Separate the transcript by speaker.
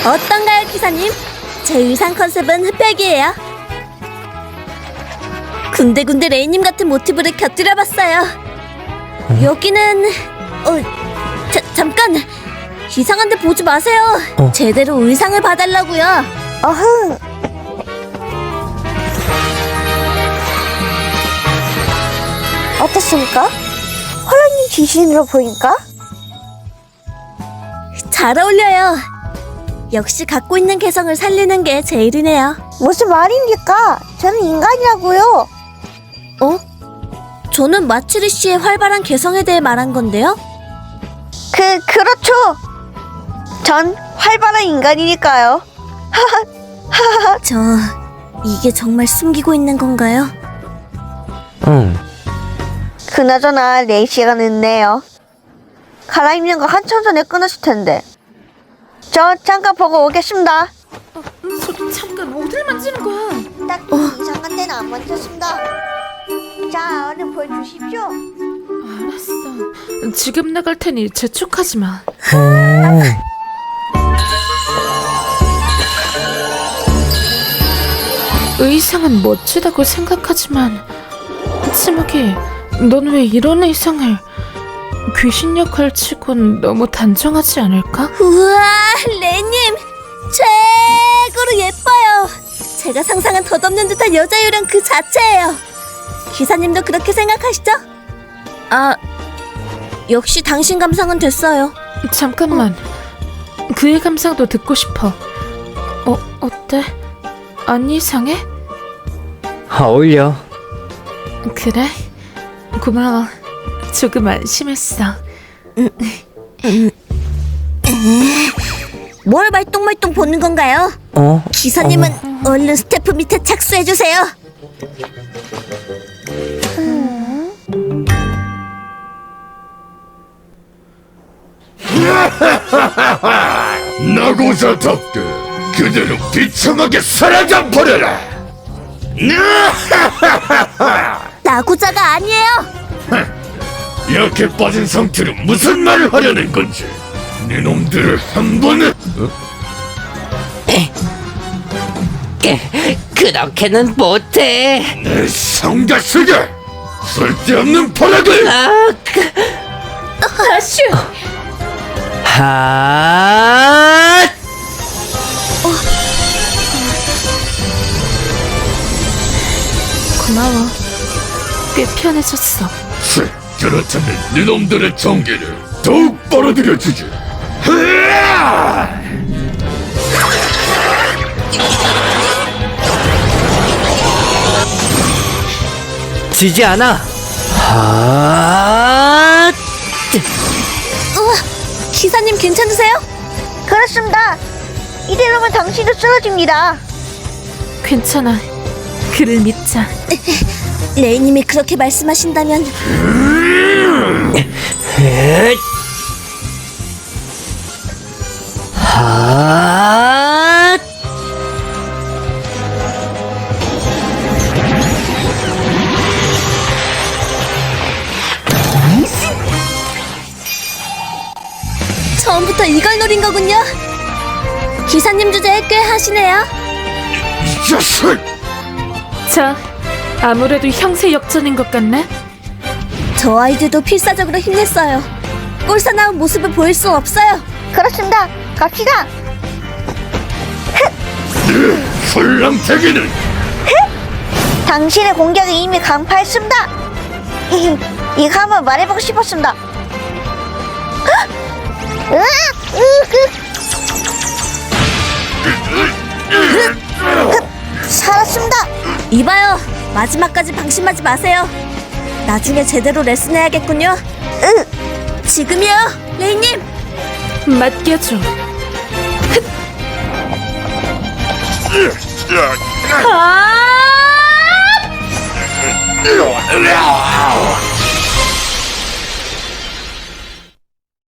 Speaker 1: 어떤가요, 기사님? 제 의상 컨셉은 흑백이에요. 군데군데 레이님 같은 모티브를 곁들여봤어요. 여기는... 잠깐! 이상한데 보지 마세요. 제대로 의상을 봐달라고요.
Speaker 2: 어흥. 어떻습니까? 호랑이 귀신으로 보인가?
Speaker 1: 잘 어울려요. 역시 갖고 있는 개성을 살리는 게 제일이네요.
Speaker 2: 무슨 말입니까? 저는 인간이라고요.
Speaker 1: 저는 마츠리 씨의 활발한 개성에 대해 말한 건데요.
Speaker 2: 그렇죠. 전 활발한 인간이니까요.
Speaker 1: 이게 정말 숨기고 있는 건가요?
Speaker 3: 응.
Speaker 2: 그나저나 레이 씨가 늦네요. 갈아입는 거 한참 전에 끊었을 텐데. 저 잠깐 보고 오겠습니다.
Speaker 4: 잠깐 어딜 만지는 거야?
Speaker 2: 딱 이상한 데는 안 만졌습니다. 자, 얼른 보여주십시오.
Speaker 4: 알았어. 지금 나갈 테니 재촉하지 마. 의상은 멋지다고 생각하지만 치마기, 넌 왜 이런 의상을? 귀신 역할 치곤 너무 단정하지 않을까?
Speaker 1: 우와, 레이님 최고로 예뻐요. 제가 상상한 덧없는 듯한 여자 요령 그 자체예요. 기사님도 그렇게 생각하시죠? 역시 당신 감상은 됐어요.
Speaker 4: 잠깐만. 그의 감상도 듣고 싶어. 어때? 안 이상해?
Speaker 3: 어울려.
Speaker 4: 그래? 고마워. 조금 안심했어.
Speaker 1: 뭘 말똥말똥 보는 건가요? 기사님은 얼른 스태프 밑에 착수해주세요.
Speaker 5: 나고자답게 그대로 비참하게 사라져 버려라.
Speaker 1: 나고자가 아니에요.
Speaker 5: 이렇게 빠진 상태로 무슨 말을 하려는 건지. 네 놈들을 한 번에
Speaker 3: 그렇게는 못해.
Speaker 5: 내 성가스가 쓸데없는 발악을.
Speaker 4: 아슈!
Speaker 3: 하.
Speaker 4: 고마워. 꽤 편해졌어.
Speaker 5: 그렇다면 네 놈들의 전개를 더욱 빨아들여주지.
Speaker 3: 지지 않아. 하.
Speaker 1: 기사님 괜찮으세요?
Speaker 2: 그렇습니다. 이대로면 당신도 쓰러집니다.
Speaker 4: 괜찮아. 그를 믿자.
Speaker 1: 레이님이 그렇게 말씀하신다면
Speaker 3: 하.
Speaker 1: 처음부터 이걸 노린 거군요. 기사님 주제에 꽤 하시네요.
Speaker 5: 이 자식!
Speaker 4: 자, 아무래도 형세 역전인 것 같네.
Speaker 1: 저 아이들도 필사적으로 힘냈어요. 꼴사나운 모습을 보일 수 없어요.
Speaker 2: 그렇습니다. 갑시다.
Speaker 5: 술랑태기는
Speaker 2: 당신의 공격에 이미 간파했습니다. 이거 한번 말해보고 싶었습니다. 살았습니다.
Speaker 1: 이봐요, 마지막까지 방심하지 마세요. 나중에 제대로 레슨해야겠군요. 지금이요, 레이님.
Speaker 4: 맡겨줘.
Speaker 5: 아!